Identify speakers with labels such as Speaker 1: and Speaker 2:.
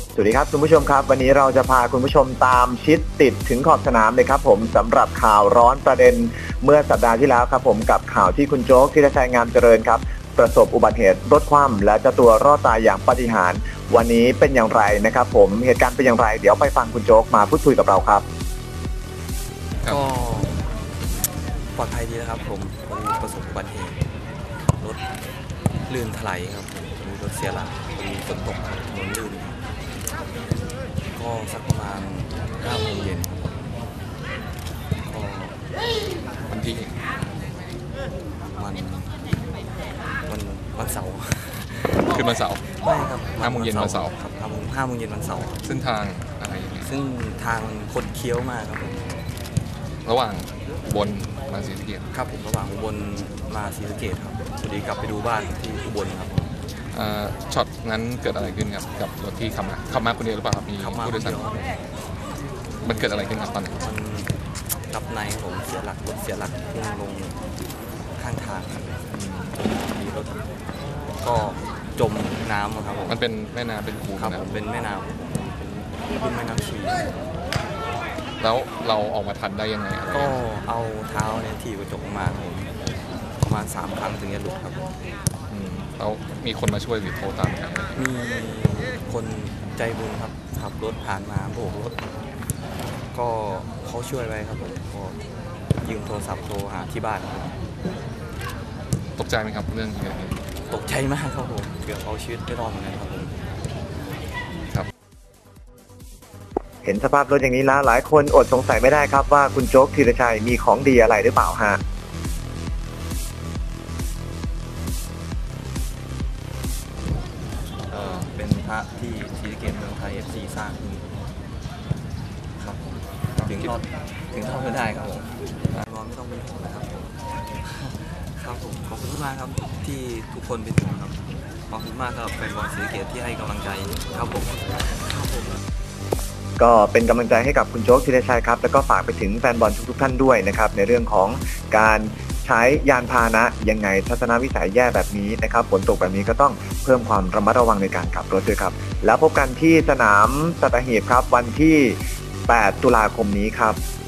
Speaker 1: สวัสดีครับคุณผู้ชมครับวันนี้เราจะพาคุณผู้ชมตามชิดติดถึงขอบสนามเลยครับผมสำหรับข่าวร้อนประเด็นเมื่อสัปดาห์ที่แล้วครับผมกับข่าวที่คุณโจ๊กธีรชัยงามเจริญครับประสบอุบัติเหตุรถคว่ำและเจ้าตัวรอดตายอย่างปาฏิหาริย์วันนี้เป็นอย่างไรนะครับผมเหตุการณ์เป็นอย่างไรเดี๋ยวไปฟังคุณโจ๊กมาพูดคุยกับเราครับ
Speaker 2: ก็ปลอดภัยดีนะครับผมประสบอุบัติเหตุรถลื่นถลายครับมีรถเสียหลักมีฝนตกถนนลื่นก็สักประมาณ5 โมงเย็นก็
Speaker 3: วันที่
Speaker 2: วันเสาร์
Speaker 3: ขึ้นวันเสาร์
Speaker 2: ไม่ครับ
Speaker 3: 5 โมงเย็นวันเสาร์
Speaker 2: ครับ5 โมงเย็นวันเสาร์
Speaker 3: ซึ่งทางอะไรอย่างเงี้ย
Speaker 2: ซึ่งทางคดเคี้ยวมากครับผม
Speaker 3: ระหว่างอุบลมาศรีสะเกษ
Speaker 2: ครับผมระหว่างอุบลมาศรีสะเกษครับพอดีกลับไปดูบ้านที่อุบลครับ
Speaker 3: ช็อตนั้นเกิดอะไรขึ้นครับกับรถที่ขับมาคนเดียวหรือเปล่าครับมีผู้โดยสารมันเกิดอะไรขึ้นครับตอนนั้น
Speaker 2: มันกับในผมเสียหลักรถเสียหลักพุ่งลงข้างทางครับมีรถก็จมน้ำครับผม
Speaker 3: มันเป็นแม่น้ำเป็นคู
Speaker 2: ครับผมเป็นแม่น้ำเป็นแม่น้ำชี
Speaker 3: แล้วเราออกมาทันได้ยังไง
Speaker 2: ก็เอาเท้าเนี่ยถีบกระจกมาผมประมาณ3 ครั้งถึงจะหลุดครับ
Speaker 3: แล้วมีคนมาช่วยหรือโทรตามไหม
Speaker 2: มีคนใจบุญครับขับรถผ่านมาโบกรถก็เขาช่วยไว้ครับผมก็ยืมโทรศัพท์โทรหาที่บ้าน
Speaker 3: ตกใจไหมครับเรื่องนี้
Speaker 2: ตกใจมากครับผมเกือบเอาชีวิตไม่รอดเหมือนกันครับผม
Speaker 3: ครับ
Speaker 1: เห็นสภาพรถอย่างนี้แล้วหลายคนอดสงสัยไม่ได้ครับว่าคุณโจ๊กธีรชัยมีของดีอะไรหรือเปล่าฮะ
Speaker 2: เป็นพระที่ศรีสะเกษเมืองไทย FC สร้างขึ้นครับผมถึงทอดไม่ได้ครับผมรอไม่ต้องเป็นห่วงนะครับครับผมขอบคุณมากครับที่ทุกคนเป็นห่วงครับขอบคุณมากครับแฟนบอลศรีสะเกษที่ให้กำลังใจครับผม
Speaker 1: ก็เป็นกำลังใจให้กับคุณโจ๊กธีรชัยครับแล้วก็ฝากไปถึงแฟนบอลทุกท่านด้วยนะครับในเรื่องของการใช้ยานพาหนะยังไงทัศนวิสัยแย่แบบนี้นะครับฝนตกแบบนี้ก็ต้องเพิ่มความระมัดระวังในการขับรถด้วยครับแล้วพบกันที่สนามสัตหีบครับวันที่8 ตุลาคมนี้ครับ